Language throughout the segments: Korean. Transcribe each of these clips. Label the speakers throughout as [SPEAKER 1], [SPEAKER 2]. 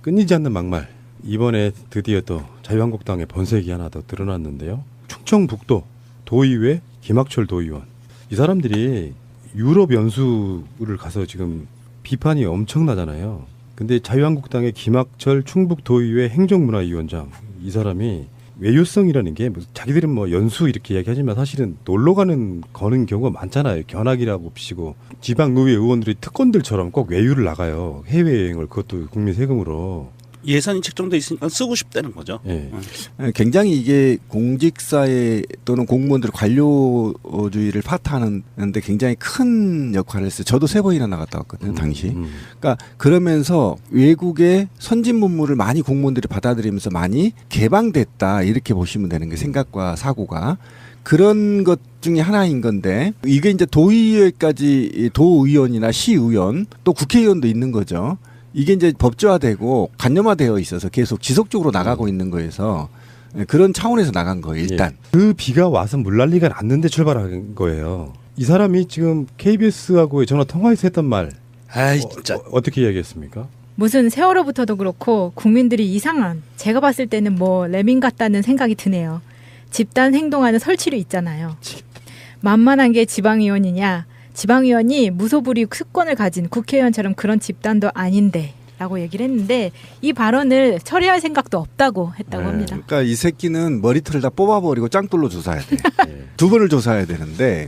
[SPEAKER 1] 끊이지 않는 막말. 이번에 드디어 또 자유한국당의 번색이 하나 더 드러났는데요. 충청북도 도의회 김학철 도의원. 이 사람들이 유럽 연수를 가서 지금 비판이 엄청나잖아요. 근데 자유한국당의 김학철 충북도의회 행정문화위원장, 이 사람이 외유성이라는 게 자기들은 뭐 연수 이렇게 이야기하지만 사실은 놀러 가는 경우가 많잖아요. 견학이라고 비치고 지방의회 의원들이 특권들처럼 꼭 외유를 나가요. 해외여행을, 그것도 국민 세금으로.
[SPEAKER 2] 예산이 책정돼 있으니까 쓰고 싶다는 거죠.
[SPEAKER 1] 예.
[SPEAKER 3] 굉장히 이게 공직사회 또는 공무원들의 관료주의를 파탄하는데 굉장히 큰 역할을 했어요. 저도 3번이나 나갔다 왔거든요, 당시. 그러니까 그러면서 외국의 선진 문물을 많이 공무원들이 받아들이면서 많이 개방됐다, 이렇게 보시면 되는 게 생각과 사고가. 그런 것 중에 하나인 건데, 이게 이제 도의회까지 도의원이나 시의원 또 국회의원도 있는 거죠. 이게 이제 법제화되고 관념화되어 있어서 계속 지속적으로 나가고 있는 거에서 그런 차원에서 나간 거예요, 일단.
[SPEAKER 1] 예. 그 비가 와서 물난리가 났는데 출발한 거예요. 이 사람이 지금 KBS하고의 전화 통화에서 했던 말,
[SPEAKER 2] 아이 진짜
[SPEAKER 1] 어떻게 이야기했습니까?
[SPEAKER 4] 무슨 세월호부터도 그렇고 국민들이 이상한, 제가 봤을 때는 뭐 레민 같다는 생각이 드네요. 집단 행동하는 설치류 있잖아요. 만만한 게 지방의원이냐, 지방의원이 무소불위 특권을 가진 국회의원처럼 그런 집단도 아닌데 라고 얘기를 했는데, 이 발언을 처리할 생각도 없다고 했다고 합니다.
[SPEAKER 3] 그러니까 이 새끼는 머리털을 다 뽑아버리고 짱돌로 조사해야 돼. 2번을 조사해야 되는데,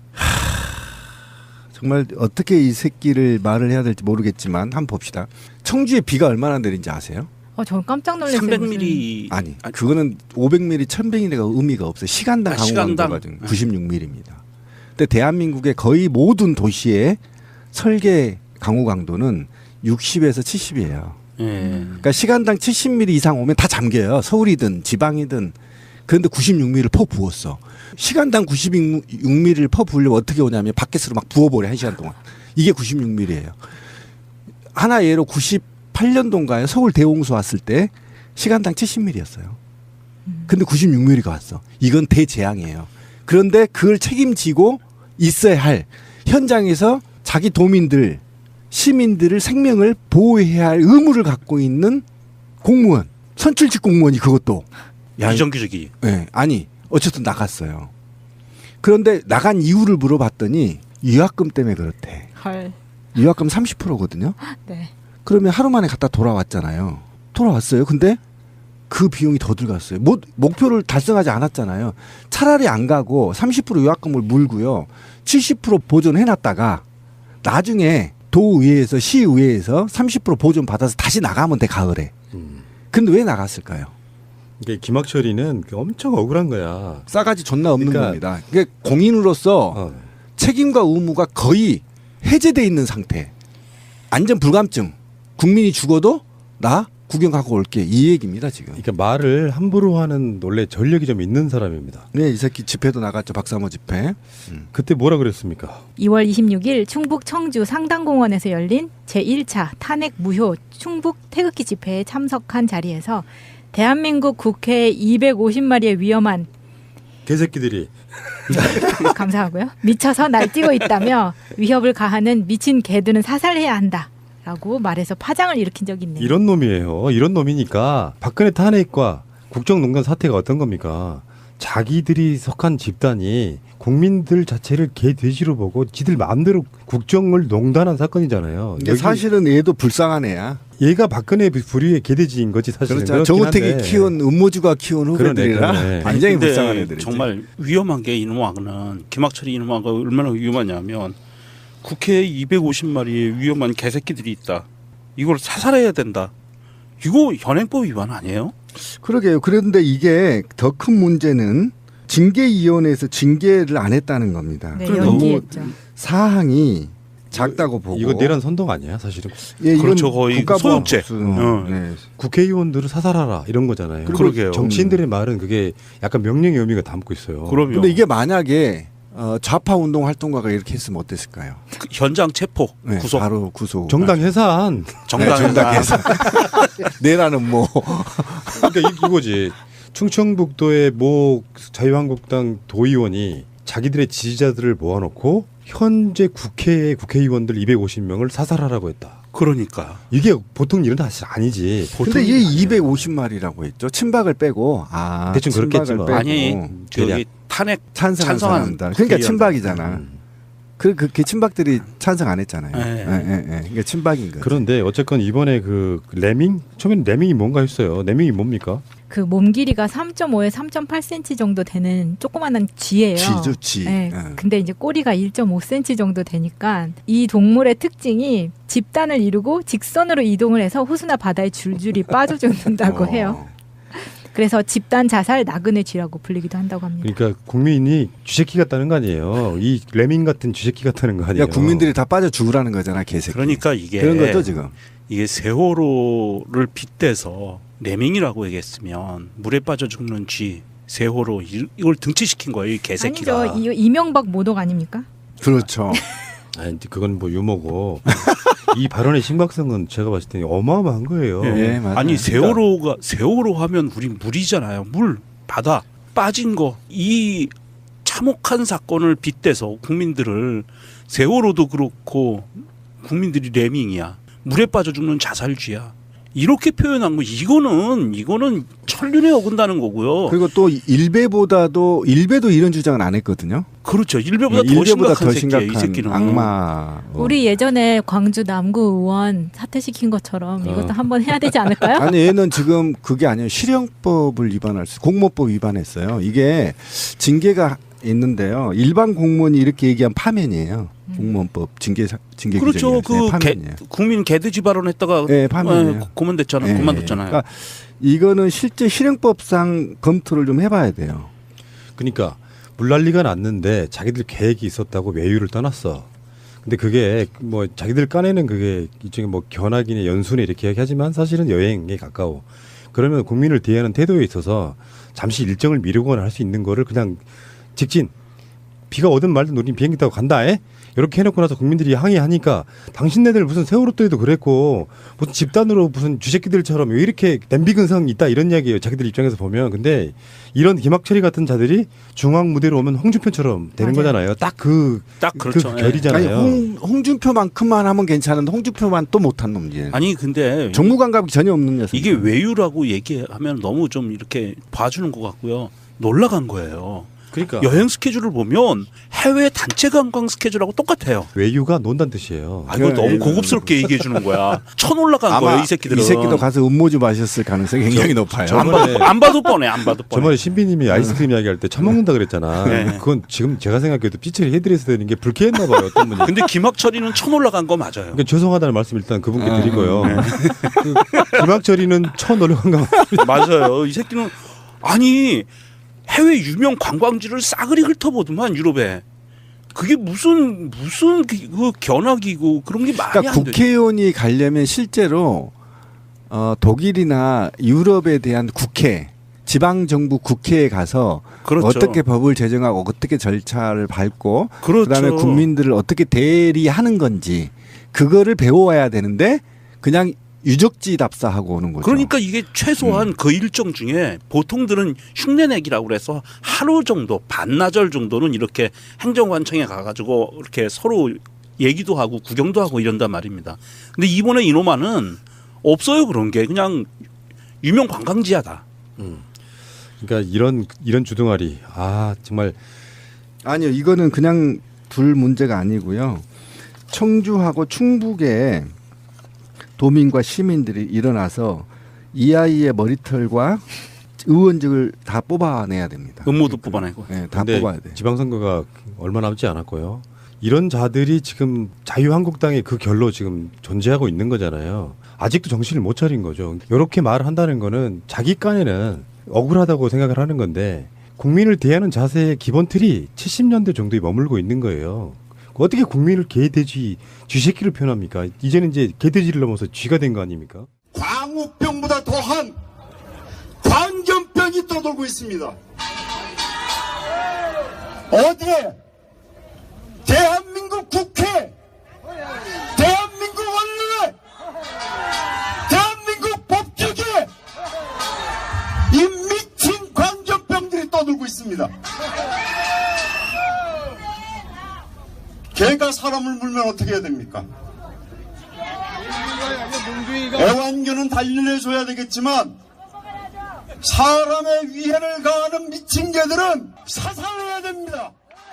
[SPEAKER 3] 정말 어떻게 이 새끼를 말을 해야 될지 모르겠지만 한번 봅시다. 청주에 비가 얼마나 내린지 아세요?
[SPEAKER 4] 저는 깜짝 놀랐어요.
[SPEAKER 2] 300mm
[SPEAKER 3] 아니, 그거는 500mm, 1000mm가 의미가 없어요. 시간당 강우강도가 96mm입니다. 근데 대한민국의 거의 모든 도시의 설계 강우 강도는 60에서 70이에요. 그러니까 시간당 70mm 이상 오면 다 잠겨요. 서울이든 지방이든. 그런데 96mm를 퍼 부었어. 시간당 96mm를 퍼 부으려면 어떻게 오냐면 바켓으로 막 부어버려, 1시간 동안. 이게 96mm예요. 하나 예로 98년도인가요? 서울 대홍수 왔을 때 시간당 70mm였어요. 근데 96mm가 왔어. 이건 대재앙이에요. 그런데 그걸 책임지고 있어야 할, 현장에서 자기 도민들, 시민들을 생명을 보호해야 할 의무를 갖고 있는 공무원, 선출직 공무원이 그것도
[SPEAKER 2] 비정규직이.
[SPEAKER 3] 네, 아니 어쨌든 나갔어요. 그런데 나간 이유를 물어봤더니 유학금 때문에 그렇대.
[SPEAKER 4] 헐.
[SPEAKER 3] 유학금 30%거든요.
[SPEAKER 4] 네.
[SPEAKER 3] 그러면 하루 만에 갔다 돌아왔잖아요. 돌아왔어요. 근데 그 비용이 더 들어갔어요. 목표를 달성하지 않았잖아요. 차라리 안 가고 30% 유학금을 물고요. 70% 보존해놨다가 나중에 도의회에서 시의회에서 30% 보존 받아서 다시 나가면 돼, 가을에. 근데 왜 나갔을까요?
[SPEAKER 1] 이게 김학철이는 엄청 억울한 거야.
[SPEAKER 3] 싸가지 존나 없는
[SPEAKER 1] 그러니까,
[SPEAKER 3] 겁니다. 그게 공인으로서 책임과 의무가 거의 해제돼 있는 상태. 안전 불감증. 국민이 죽어도 나 구경하고 올게, 이 얘기입니다 지금.
[SPEAKER 1] 그러니까 말을 함부로 하는 원래 전력이 좀 있는 사람입니다.
[SPEAKER 3] 네, 이 새끼 집회도 나갔죠, 박사모 집회.
[SPEAKER 1] 그때 뭐라 그랬습니까?
[SPEAKER 4] 2월 26일 충북 청주 상당공원에서 열린 제1차 탄핵 무효 충북 태극기 집회에 참석한 자리에서 대한민국 국회 250마리의 위험한
[SPEAKER 1] 개새끼들이
[SPEAKER 4] 감사하고요. 미쳐서 날뛰고 있다며 위협을 가하는 미친 개들은 사살해야 한다 라고 말해서 파장을 일으킨 적이 있네요.
[SPEAKER 1] 이런 놈이에요. 이런 놈이니까 박근혜 탄핵과 국정농단 사태가 어떤 겁니까? 자기들이 속한 집단이 국민들 자체를 개돼지로 보고 지들 마음대로 국정을 농단한 사건이잖아요.
[SPEAKER 3] 근데 사실은 얘도 불쌍한 애야.
[SPEAKER 1] 얘가 박근혜 불의의 개돼지인 거지 사실은.
[SPEAKER 3] 그렇죠. 정우택이 키운, 음모주가 키운 후배들이라
[SPEAKER 1] 그러네.
[SPEAKER 3] 굉장히 불쌍한 애들이지.
[SPEAKER 2] 정말 위험한 게 이놈하고는, 김학철이 이놈하고 얼마나 위험하냐면 국회에 250마리의 위험한 개새끼들이 있다. 이걸 사살해야 된다. 이거 현행법 위반 아니에요?
[SPEAKER 3] 그러게요. 그런데 이게 더 큰 문제는 징계위원회에서 징계를 안 했다는 겁니다.
[SPEAKER 4] 네,
[SPEAKER 3] 너무
[SPEAKER 4] 연기했죠.
[SPEAKER 3] 사항이 작다고 보고.
[SPEAKER 1] 이거 내란 선동 아니야 사실은?
[SPEAKER 3] 예,
[SPEAKER 2] 그렇죠. 거의 소유죄.
[SPEAKER 3] 네.
[SPEAKER 1] 국회의원들을 사살하라 이런 거잖아요.
[SPEAKER 2] 그러게요.
[SPEAKER 1] 정치인들의 말은 그게 약간 명령의 의미가 담고 있어요.
[SPEAKER 2] 그럼요.
[SPEAKER 3] 근데 이게 만약에 좌파 운동 활동가가 이렇게 했으면 어땠을까요?
[SPEAKER 2] 그 현장 체포,
[SPEAKER 3] 네,
[SPEAKER 2] 구속.
[SPEAKER 3] 바로 구속.
[SPEAKER 1] 정당 해산.
[SPEAKER 3] 정당해서 내라는 뭐.
[SPEAKER 1] 그러니까 이거지. 충청북도의 모 자유한국당 도의원이 자기들의 지지자들을 모아놓고 현재 국회의 국회의원들 250명을 사살하라고 했다.
[SPEAKER 2] 그러니까
[SPEAKER 1] 이게 보통 일은 사실 아니지.
[SPEAKER 3] 근데 이게 250마리라고 했죠. 친박을 빼고
[SPEAKER 1] 대충 그렇겠지 뭐.
[SPEAKER 2] 아니 저기
[SPEAKER 1] 대략.
[SPEAKER 2] 탄핵
[SPEAKER 3] 찬성한 사람들. 그러니까 친박이잖아. 그 친박들이 찬성 안 했잖아요. 그러니까 친박인 거죠.
[SPEAKER 1] 그런데 어쨌건 이번에 그 레밍 처음에는 레밍이 뭔가 했어요. 레밍이 뭡니까?
[SPEAKER 4] 그 몸 길이가 3.5에 3.8cm 정도 되는 조그마한 쥐예요.
[SPEAKER 3] 쥐죠, 쥐.
[SPEAKER 4] 네. 근데 이제 꼬리가 1.5cm 정도 되니까 이 동물의 특징이 집단을 이루고 직선으로 이동을 해서 호수나 바다에 줄줄이 빠져 죽는다고 해요. 그래서 집단 자살 나그네 쥐라고 불리기도 한다고 합니다.
[SPEAKER 1] 그러니까 국민이 쥐새끼 같다는 거 아니에요. 이 레밍 같은 쥐새끼 같다는 거 아니에요.
[SPEAKER 3] 그러니까 국민들이 다 빠져 죽으라는 거잖아, 개새끼.
[SPEAKER 2] 그러니까 이게
[SPEAKER 3] 그런 거죠, 지금.
[SPEAKER 2] 이게 세월호를 빗대서 레밍이라고 얘기했으면 물에 빠져 죽는 쥐 세월호 이걸 등치시킨 거예요, 이 개새끼가.
[SPEAKER 4] 아니죠. 이명박 모독 아닙니까?
[SPEAKER 3] 그렇죠.
[SPEAKER 1] 아니 그건 뭐 유머고 이 발언의 심각성은 제가 봤을 때 어마어마한 거예요.
[SPEAKER 3] 예, 맞아요.
[SPEAKER 2] 아니 세월호 하면 우리 물이잖아요. 물 바다 빠진 거 이 참혹한 사건을 빗대서 국민들을 세월호도 그렇고 국민들이 레밍이야. 물에 빠져 죽는 자살쥐야. 이렇게 표현한 거 이거는 천륜에 어긋나는 거고요.
[SPEAKER 3] 그리고 또 일베도 이런 주장은 안 했거든요.
[SPEAKER 2] 그렇죠. 일베보다 더 심각한 새끼예요, 이 새끼는.
[SPEAKER 3] 악마.
[SPEAKER 4] 우리 예전에 광주 남구 의원 사퇴시킨 것처럼 이것도 한번 해야 되지 않을까요?
[SPEAKER 3] 아니 얘는 지금 그게 아니에요. 실형법을 공모법 위반했어요. 이게 징계가 있는데요. 일반 공무원이 이렇게 얘기한 파면이에요. 공무원법 징계
[SPEAKER 2] 그렇죠.
[SPEAKER 3] 파면이에요.
[SPEAKER 2] 국민 개돼지 발언했다가
[SPEAKER 3] 네, 파면이에요.
[SPEAKER 2] 고만됐잖아요. 그만뒀잖아요.
[SPEAKER 3] 그러니까 이거는 실제 실형법상 검토를 좀 해봐야 돼요.
[SPEAKER 1] 그러니까 물난리가 났는데 자기들 계획이 있었다고 외유를 떠났어. 근데 그게 뭐 자기들 까내는 그게 일종의 뭐 견학이나 연수네 이렇게 얘기하지만 사실은 여행에 가까워. 그러면 국민을 대하는 태도에 있어서 잠시 일정을 미루거나 할 수 있는 거를 그냥 직진 비가 오든 말든 우린 비행기 타고 간다. 이렇게 해놓고 나서 국민들이 항의하니까 당신네들 무슨 세월호 때도 그랬고 무슨 집단으로 무슨 쥐새끼들처럼 왜 이렇게 냄비근성이 있다 이런 이야기예요. 자기들 입장에서 보면. 근데 이런 김학철이 같은 자들이 중앙 무대로 오면 홍준표처럼 되는
[SPEAKER 4] 맞아요.
[SPEAKER 1] 거잖아요. 딱
[SPEAKER 2] 그렇죠.
[SPEAKER 1] 그 결이잖아요.
[SPEAKER 3] 아니, 홍준표만큼만 하면 괜찮은데 홍준표만 또 못한 놈이에요.
[SPEAKER 2] 아니 근데
[SPEAKER 3] 정무 감각이 전혀 없는 녀석.
[SPEAKER 2] 이게 외유라고 얘기하면 너무 좀 이렇게 봐주는 것 같고요. 놀라간 거예요.
[SPEAKER 1] 그러니까
[SPEAKER 2] 여행 스케줄을 보면 해외 단체 관광 스케줄하고 똑같아요.
[SPEAKER 1] 외유가 논다는 뜻이에요.
[SPEAKER 2] 아, 이거 너무 고급스럽게 얘기해 주는 거야. 쳐놀라간 거예요, 이 새끼들은.
[SPEAKER 3] 이 새끼도 가서 음모주 마셨을 가능성이 굉장히 높아요.
[SPEAKER 2] 안 봐도 뻔해, 안 봐도 뻔해.
[SPEAKER 1] 저번에 신비님이 아이스크림 이야기할 때 처먹는다 그랬잖아.
[SPEAKER 2] 네.
[SPEAKER 1] 그건 지금 제가 생각해도 삐처리 해드려서 되는 게 불쾌했나 봐요. 어떤 분이.
[SPEAKER 2] 근데 김학철이는 쳐놀라간 거 맞아요.
[SPEAKER 1] 그러니까 죄송하다는 말씀 일단 그분께 드리고요. 그 김학철이는 쳐놀려간 거
[SPEAKER 2] 맞아요. 이 새끼는 아니 해외 유명 관광지를 싸그리 훑어보더만 유럽에. 그게 무슨 그 견학이고 그런 게 말이
[SPEAKER 3] 그러니까
[SPEAKER 2] 안 되죠.
[SPEAKER 3] 국회의원이 가려면 실제로 독일이나 유럽에 대한 국회, 지방정부 국회에 가서
[SPEAKER 2] 그렇죠.
[SPEAKER 3] 어떻게 법을 제정하고 어떻게 절차를 밟고
[SPEAKER 2] 그렇죠.
[SPEAKER 3] 그다음에 국민들을 어떻게 대리하는 건지 그거를 배워와야 되는데 그냥 유적지 답사하고 오는 거죠.
[SPEAKER 2] 그러니까 이게 최소한 그 일정 중에 보통들은 흉내내기라고 그래서 하루 정도 반나절 정도는 이렇게 행정관청에 가가지고 이렇게 서로 얘기도 하고 구경도 하고 이런단 말입니다. 근데 이번에 이노마는 없어요. 그런 게 그냥 유명 관광지야다.
[SPEAKER 1] 그러니까 이런 주둥아리 정말
[SPEAKER 3] 아니요, 이거는 그냥 둘 문제가 아니고요. 청주하고 충북에 도민과 시민들이 일어나서 이 아이의 머리털과 의원직을 다 뽑아내야 됩니다.
[SPEAKER 2] 음모도 뽑아내고.
[SPEAKER 3] 네, 다
[SPEAKER 1] 근데
[SPEAKER 3] 뽑아야 돼요.
[SPEAKER 1] 지방선거가 얼마 남지 않았고요. 이런 자들이 지금 자유한국당의 그 결로 지금 존재하고 있는 거잖아요. 아직도 정신을 못 차린 거죠. 이렇게 말을 한다는 거는 자기 깐에는 억울하다고 생각을 하는 건데 국민을 대하는 자세의 기본 틀이 70년대 정도에 머물고 있는 거예요. 어떻게 국민을 개돼지, 쥐새끼를 표현합니까? 이제는 이제 개돼지를 넘어서 쥐가 된 거 아닙니까?
[SPEAKER 5] 광우병보다 더한 광견병이 떠돌고 있습니다. 어디에? 대한민국 국회, 대한민국 원내, 대한민국 법조계 이 미친 광견병들이 떠돌고 있습니다. 개가 사람을 물면 어떻게 해야 됩니까? 애완견은 달려줘야 되겠지만 사람의 위해를 가하는 미친 개들은 사살해야 됩니다.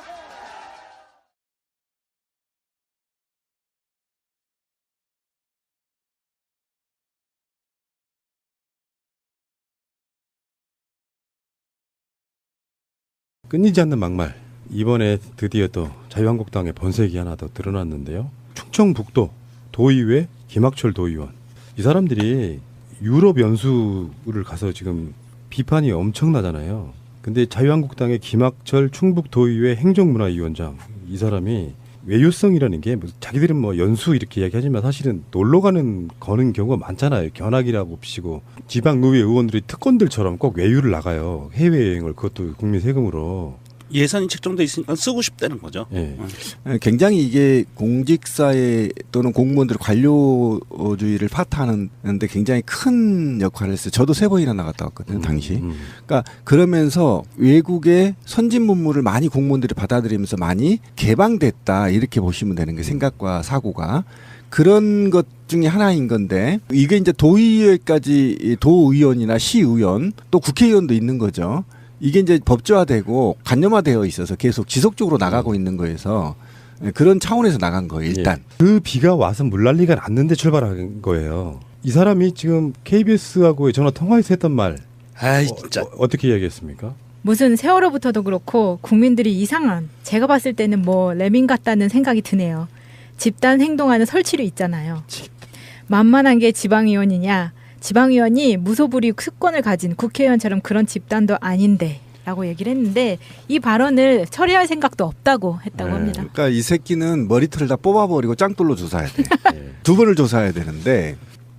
[SPEAKER 1] 끊이지 않는 막말. 이번에 드디어 또 자유한국당의 번색이 하나 더 드러났는데요. 충청북도 도의회 김학철 도의원. 이 사람들이 유럽 연수를 가서 지금 비판이 엄청나잖아요. 근데 자유한국당의 김학철 충북도의회 행정문화위원장, 이 사람이 외유성이라는 게 자기들은 뭐 연수 이렇게 이야기하지만 사실은 놀러 가는 경우가 많잖아요. 견학이라고 비치고 지방의회 의원들이 특권들처럼 꼭 외유를 나가요. 해외여행을, 그것도 국민 세금으로.
[SPEAKER 2] 예산이 책정돼 있으니까 쓰고 싶다는 거죠.
[SPEAKER 1] 예.
[SPEAKER 3] 굉장히 이게 공직사회 또는 공무원들 관료주의를 파탄하는데 굉장히 큰 역할을 했어요. 저도 3번이나 나갔다 왔거든요, 당시. 그러니까 그러면서 외국의 선진 문물을 많이 공무원들이 받아들이면서 많이 개방됐다, 이렇게 보시면 되는 게 생각과 사고가. 그런 것 중에 하나인 건데, 이게 이제 도의회까지 도의원이나 시의원 또 국회의원도 있는 거죠. 이게 이제 법제화되고 관념화되어 있어서 계속 지속적으로 나가고 있는 거에서 그런 차원에서 나간 거예요, 일단.
[SPEAKER 1] 예. 그 비가 와서 물난리가 났는데 출발한 거예요. 이 사람이 지금 KBS하고의 전화 통화에서 했던 말,
[SPEAKER 2] 아이 진짜.
[SPEAKER 1] 어떻게 이야기했습니까?
[SPEAKER 4] 무슨 세월호부터도 그렇고 국민들이 이상한, 제가 봤을 때는 뭐 레밍 같다는 생각이 드네요. 집단 행동하는 설치류 있잖아요. 만만한 게 지방의원이냐, 지방의원이 무소불위 특권을 가진 국회의원처럼 그런 집단도 아닌데 라고 얘기를 했는데, 이 발언을 처리할 생각도 없다고 했다고 합니다.
[SPEAKER 3] 그러니까 이 새끼는 머리털을 다 뽑아버리고 짱돌로 조사해야 돼. 2번을 조사해야 되는데,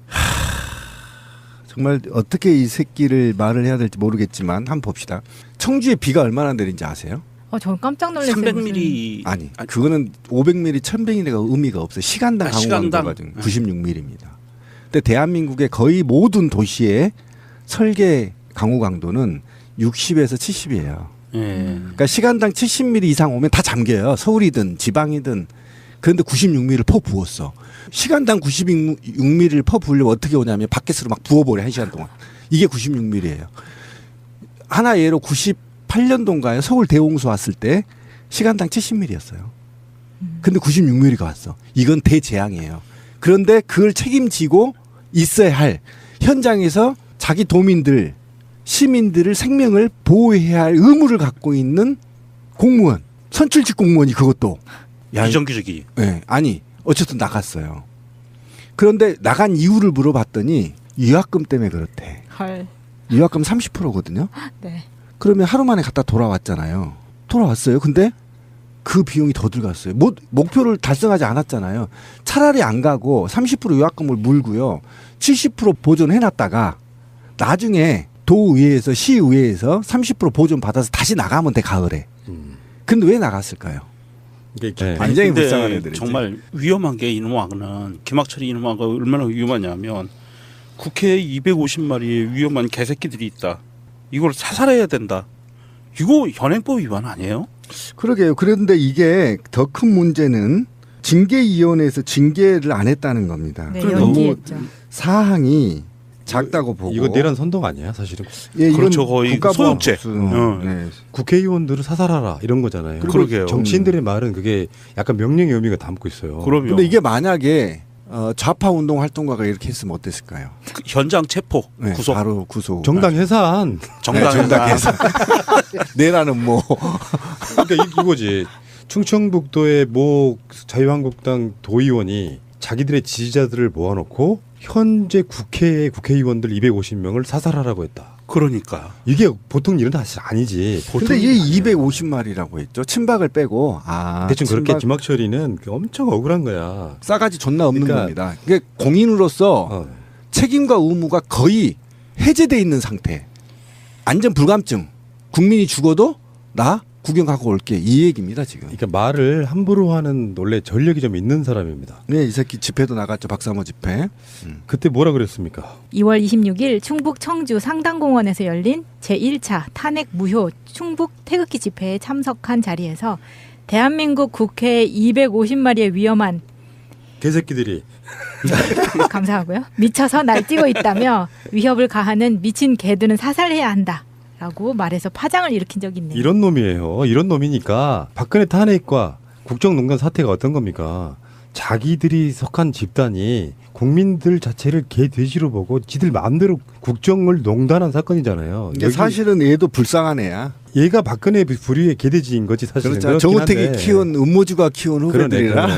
[SPEAKER 3] 정말 어떻게 이 새끼를 말을 해야 될지 모르겠지만 한번 봅시다. 청주에 비가 얼마나 내린지 아세요?
[SPEAKER 4] 저는 깜짝 놀랐어요.
[SPEAKER 2] 300mm.
[SPEAKER 3] 아니, 그거는 500mm, 1000mm가 의미가 없어요. 시간당 강우강도가 96mm입니다. 근데 대한민국의 거의 모든 도시의 설계 강우 강도는 60에서 70이에요. 그러니까 시간당 70mm 이상 오면 다 잠겨요. 서울이든 지방이든. 그런데 96mm를 퍼 부었어. 시간당 96mm를 퍼 부으려면 어떻게 오냐면 바켓으로 막 부어버려, 1시간 동안. 이게 96mm예요. 하나 예로 98년도인가요? 서울 대홍수 왔을 때 시간당 70mm였어요. 근데 96mm가 왔어. 이건 대재앙이에요. 그런데 그걸 책임지고 있어야 할, 현장에서 자기 도민들, 시민들을 생명을 보호해야 할 의무를 갖고 있는 공무원, 선출직 공무원이 그것도
[SPEAKER 2] 비정규직이.
[SPEAKER 3] 네, 아니 어쨌든 나갔어요. 그런데 나간 이유를 물어봤더니 유학금 때문에 그렇대.
[SPEAKER 4] 헐.
[SPEAKER 3] 유학금 30%거든요.
[SPEAKER 4] 네.
[SPEAKER 3] 그러면 하루 만에 갔다 돌아왔잖아요. 돌아왔어요. 근데 그 비용이 더 들어갔어요. 목표를 달성하지 않았잖아요. 차라리 안 가고 30% 유학금을 물고요. 70% 보존해놨다가 나중에 도의회에서 시의회에서 30% 보존 받아서 다시 나가면 돼, 가을에. 근데 왜 나갔을까요?
[SPEAKER 1] 네.
[SPEAKER 3] 굉장히
[SPEAKER 2] 근데
[SPEAKER 3] 불쌍한 애들이지.
[SPEAKER 2] 정말 위험한 게 이놈아는 김학철이 이놈아가 얼마나 위험하냐면, 국회에 250마리의 위험한 개새끼들이 있다. 이걸 사살해야 된다. 이거 현행법 위반 아니에요?
[SPEAKER 3] 그러게요. 그런데 이게 더 큰 문제는 징계위원회에서 징계를 안 했다는 겁니다.
[SPEAKER 4] 네,
[SPEAKER 3] 너무
[SPEAKER 4] 연기했죠.
[SPEAKER 3] 사항이 작다고 보고.
[SPEAKER 1] 이거 내란 선동 아니야, 사실은?
[SPEAKER 3] 예, 이건
[SPEAKER 2] 그렇죠. 거의 소유죄.
[SPEAKER 3] 네.
[SPEAKER 1] 국회의원들을 사살하라 이런 거잖아요.
[SPEAKER 2] 그리고 그러게요.
[SPEAKER 1] 정치인들의 말은 그게 약간 명령의 의미가 담고 있어요.
[SPEAKER 2] 그럼요.
[SPEAKER 3] 근데 이게 만약에 좌파 운동 활동가가 이렇게 했으면 어땠을까요?
[SPEAKER 2] 그 현장 체포,
[SPEAKER 3] 네,
[SPEAKER 2] 구속.
[SPEAKER 3] 바로 구속.
[SPEAKER 1] 정당 해산.
[SPEAKER 2] 정당에서.
[SPEAKER 3] 내라는 뭐.
[SPEAKER 1] 그러니까 이거지. 충청북도의 모 자유한국당 도의원이 자기들의 지지자들을 모아놓고 현재 국회의 국회의원들 250명을 사살하라고 했다.
[SPEAKER 2] 그러니까.
[SPEAKER 1] 이게 보통 일은 사실 아니지.
[SPEAKER 3] 근데 이게 250마리라고 했죠. 친박을 빼고.
[SPEAKER 1] 대충 그렇게
[SPEAKER 3] 친박
[SPEAKER 1] 김학철이는 엄청 억울한 거야.
[SPEAKER 3] 싸가지 존나 없는
[SPEAKER 1] 그러니까
[SPEAKER 3] 겁니다. 이게 공인으로서 책임과 의무가 거의 해제돼 있는 상태. 안전 불감증. 국민이 죽어도 나 구경하고 올게, 이 얘기입니다 지금.
[SPEAKER 1] 그러니까 말을 함부로 하는 원래 전력이 좀 있는 사람입니다.
[SPEAKER 3] 네, 이 새끼 집회도 나갔죠. 박사모 집회.
[SPEAKER 1] 그때 뭐라 그랬습니까?
[SPEAKER 4] 2월 26일 충북 청주 상당공원에서 열린 제1차 탄핵 무효 충북 태극기 집회에 참석한 자리에서 대한민국 국회 250마리의 위험한
[SPEAKER 1] 개새끼들이
[SPEAKER 4] 감사하고요. 미쳐서 날뛰고 있다며 위협을 가하는 미친 개들은 사살해야 한다라고 말해서 파장을 일으킨 적이 있네요.
[SPEAKER 1] 이런 놈이에요. 이런 놈이니까 박근혜 탄핵과 국정농단 사태가 어떤 겁니까? 자기들이 속한 집단이 국민들 자체를 개돼지로 보고 지들 마음대로 국정을 농단한 사건이잖아요.
[SPEAKER 3] 이게
[SPEAKER 1] 여기
[SPEAKER 3] 사실은 얘도 불쌍한 애야.
[SPEAKER 1] 얘가 박근혜 부류의 개돼지인 거지 사실은.
[SPEAKER 3] 그렇죠.
[SPEAKER 1] 그렇긴
[SPEAKER 3] 정우택이
[SPEAKER 1] 한데.
[SPEAKER 3] 키운 음모주가 키운 후배들이라.
[SPEAKER 1] 그러네.